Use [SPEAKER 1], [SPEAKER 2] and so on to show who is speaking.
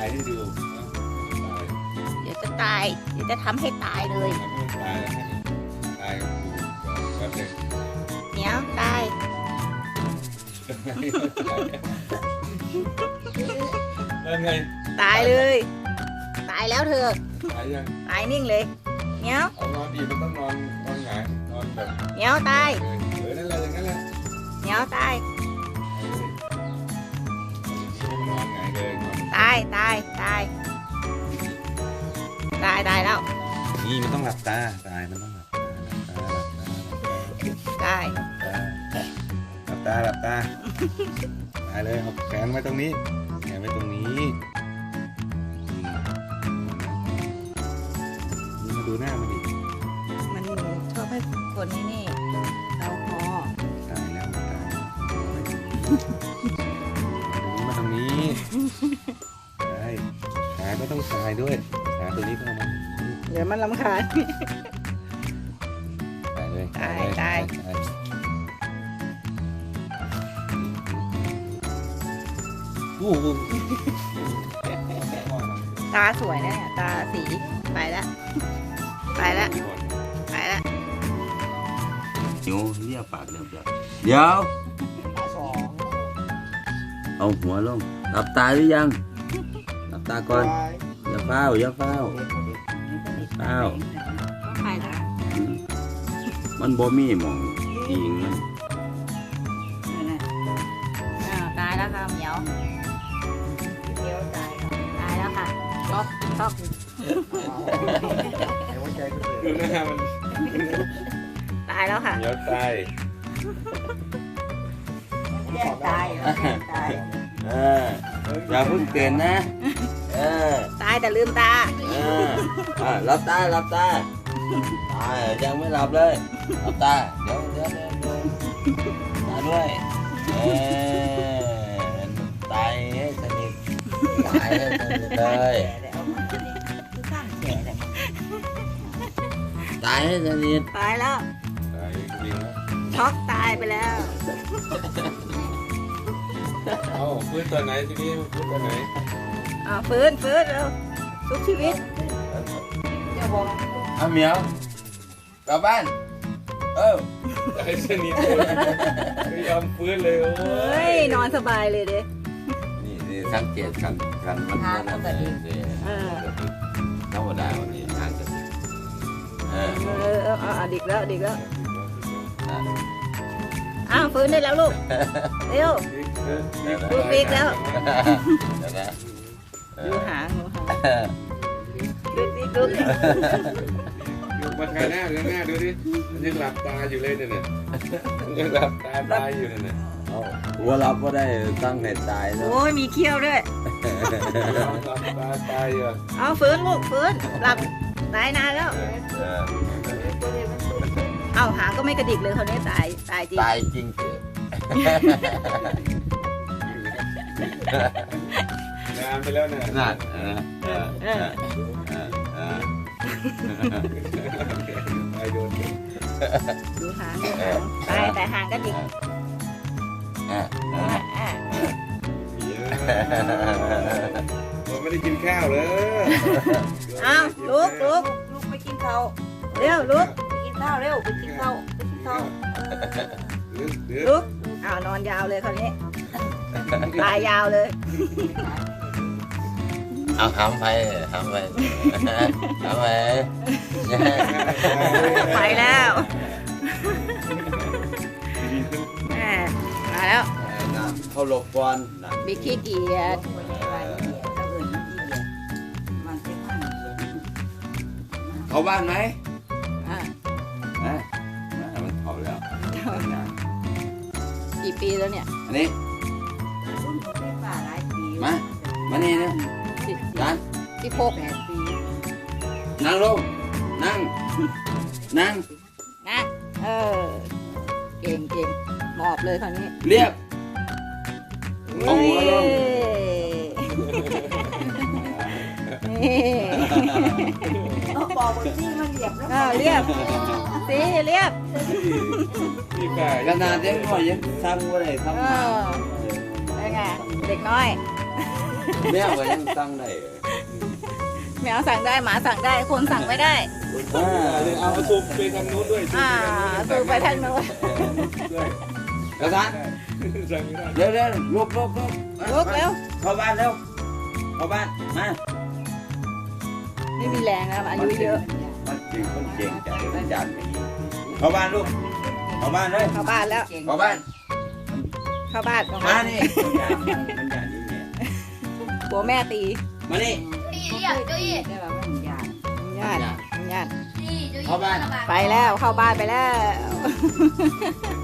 [SPEAKER 1] ให้ดู
[SPEAKER 2] เดี๋ยวจะตายเดี๋ยวจะทำให้ตายเลย
[SPEAKER 1] ตายแล้วตายกับกูแป๊บนึง
[SPEAKER 2] เหนียวตาย
[SPEAKER 1] แล้วไง
[SPEAKER 2] ตายเลยตายแล้วเธอ
[SPEAKER 1] ตายยัง
[SPEAKER 2] ตายนิ่งเลยเหนียว
[SPEAKER 1] เอานอนดีมันต้องนอนหงายนอนแบบ
[SPEAKER 2] เหนียวตาย
[SPEAKER 1] นั่นแหละอย่างนั้นแหละ
[SPEAKER 2] เหนียวตาย
[SPEAKER 1] นอนหงายเลยนอน
[SPEAKER 2] ตายตายตายตายตายแล้ว
[SPEAKER 1] นี่มันต้องหลับตาตายมันต้องหลับตา
[SPEAKER 2] ตาย
[SPEAKER 1] หลับตาหลับตาตายเลยเอาแขนไว้ตรงนี้แขนไว้ตรงนี้นี่มาดูหน้ามันดิ
[SPEAKER 2] มันชอบให้คนนี่เราคอ
[SPEAKER 1] ตายแล้วตายมาตรงนี้ใช่ขาก็ต้องตายด้วยขาตัวนี้ก็เอามา
[SPEAKER 2] เดี๋ยวมันรำคาญ
[SPEAKER 1] ตายเลย
[SPEAKER 2] ตาย
[SPEAKER 1] โอ้โห
[SPEAKER 2] ตาสวยนะเนี่ยตาสีไปแล้วไปแล้วไปแล้ว
[SPEAKER 3] หิวเรียกปากเรียบเดี๋ยวเอาหัวลงหลับตาหรือยังหลับตาก่อนอย่าเฝ้าอย่าเฝ้าเฝ้า
[SPEAKER 2] ไปแล้ว
[SPEAKER 3] มันบ่มีหมองอิงมัน
[SPEAKER 2] ตายแล้วค่ะเหมียวเหมียวตายแล้วค่ะช็อกช็อก
[SPEAKER 1] ดูหน้ามัน
[SPEAKER 2] ตายแล้วค่ะ
[SPEAKER 1] เดี๋ยวตาย
[SPEAKER 2] แย่ตายตาย
[SPEAKER 3] อย่าเพิ่งเตือนนะ
[SPEAKER 2] ตายแต่ลืมตา
[SPEAKER 3] หลับตาหลับตายังไม่หลับเลยหลับตาเดี๋ยวตาด้วยตายให้สนิทตายให้สนิทเลยตายให้สนิท
[SPEAKER 2] ตายแล้ว
[SPEAKER 1] ตายจริงแล้ว
[SPEAKER 2] ช็อกตายไปแล้ว
[SPEAKER 1] เอาฟื้นตัวไหนทีนี้ฟื้นตัวไหน
[SPEAKER 2] ฟื้นฟื้นเร็วทุกชีวิต
[SPEAKER 3] เอาเหมียวกลับบ้าน
[SPEAKER 1] ตายสนิทเลยไม่ยอมฟื้นเลยโอ้
[SPEAKER 2] เฮ้ยนอนสบายเลยเด้
[SPEAKER 3] นี่สังเกตกันมันธรรมดาวันนี้ทางกัน
[SPEAKER 2] ดิกแล้วดิกแล้วฟื้นได้แล้วลูกเร็วดูปีกแล้วดูหางดูปีกดู
[SPEAKER 1] มาถ่ายหน้าดูหน้าดูดิมันยังหลับตาอยู่เลยเนี่ยมันยังหลับตาตายอยู่เนี่ย
[SPEAKER 3] หัวรับก็ได้ตั้งเหตุตายแล้ว
[SPEAKER 2] โอ้ยมีเขี้ยวด้วย
[SPEAKER 1] หลับตาตายอยู่
[SPEAKER 2] ฟื้นลูกฟื้นหลับตายนานแล้วหางก็ไม่กระดิกเลยเขาเนี้ยตายจริง
[SPEAKER 3] ตายจริงเถอะ
[SPEAKER 1] นานไปแล้วเนี่ย
[SPEAKER 3] นั่น
[SPEAKER 1] ตายโดน
[SPEAKER 2] ดูหางตายแต่หางกระดิก
[SPEAKER 1] ผมไม่ได้กินข้าวเลย
[SPEAKER 2] ลุกไปกินข้าวเร็วลุกไปกินข้าวเร็วไปกินข้าวลุกนอนยาวเลยคราวนี้ตายยาวเลย
[SPEAKER 3] เอาทำไป
[SPEAKER 2] ไปแล้วมาแล้ว
[SPEAKER 3] เขาหลบก่อน
[SPEAKER 2] บิ๊กขี้เกียจ
[SPEAKER 3] เขาบ้านไหม
[SPEAKER 2] อ่ะ
[SPEAKER 3] มันเขาแล้ว
[SPEAKER 2] กี่ปีแล้วเนี่ย
[SPEAKER 3] อันนี้มานี่นะจาน
[SPEAKER 2] 16
[SPEAKER 3] นั่งลงนั่ง
[SPEAKER 2] นะเก่งหมอบเลยคราวนี้
[SPEAKER 3] เรียบเอาหัวลง
[SPEAKER 4] บอกว่าที่มันเหลียบแล้ว
[SPEAKER 2] เรียบสิเรียบ
[SPEAKER 1] พี่ไก่
[SPEAKER 3] ขนาดเด็กน้อยยังสั่งว่าได้ทำมา
[SPEAKER 2] เป็นไงเด็กน้อย
[SPEAKER 3] แมวก็ยังตั้งได้
[SPEAKER 2] แมวสั่งได้หมาสั่งได้คนสั่งไม่ได้
[SPEAKER 1] เอาซูมไปทางนู้นด้วย
[SPEAKER 2] สูบไปทางโน้น
[SPEAKER 1] ด้วย
[SPEAKER 3] กระสัน
[SPEAKER 1] สั่งไม่ได้
[SPEAKER 3] เร็วเร็วลุก
[SPEAKER 2] ลุกเร็ว
[SPEAKER 3] เข้าบ้านเร็วเข้าบ้านมา
[SPEAKER 2] ไม่มีแรงแล้วอายุเยอะ
[SPEAKER 3] มันเก่งใจมันจัดเข้าบ้านลูกเข้าบ้านเลย
[SPEAKER 2] เข้าบ้านแล้ว
[SPEAKER 3] เข้าบ้าน
[SPEAKER 2] เข้าบ้าน
[SPEAKER 3] มานี่มันจัดนี่เนี่ย
[SPEAKER 2] หัวแม่ตี
[SPEAKER 3] มานี่
[SPEAKER 2] ญาติ
[SPEAKER 3] เข้าบ้าน
[SPEAKER 2] ไปแล้วเข้าบ้านไปแล้ว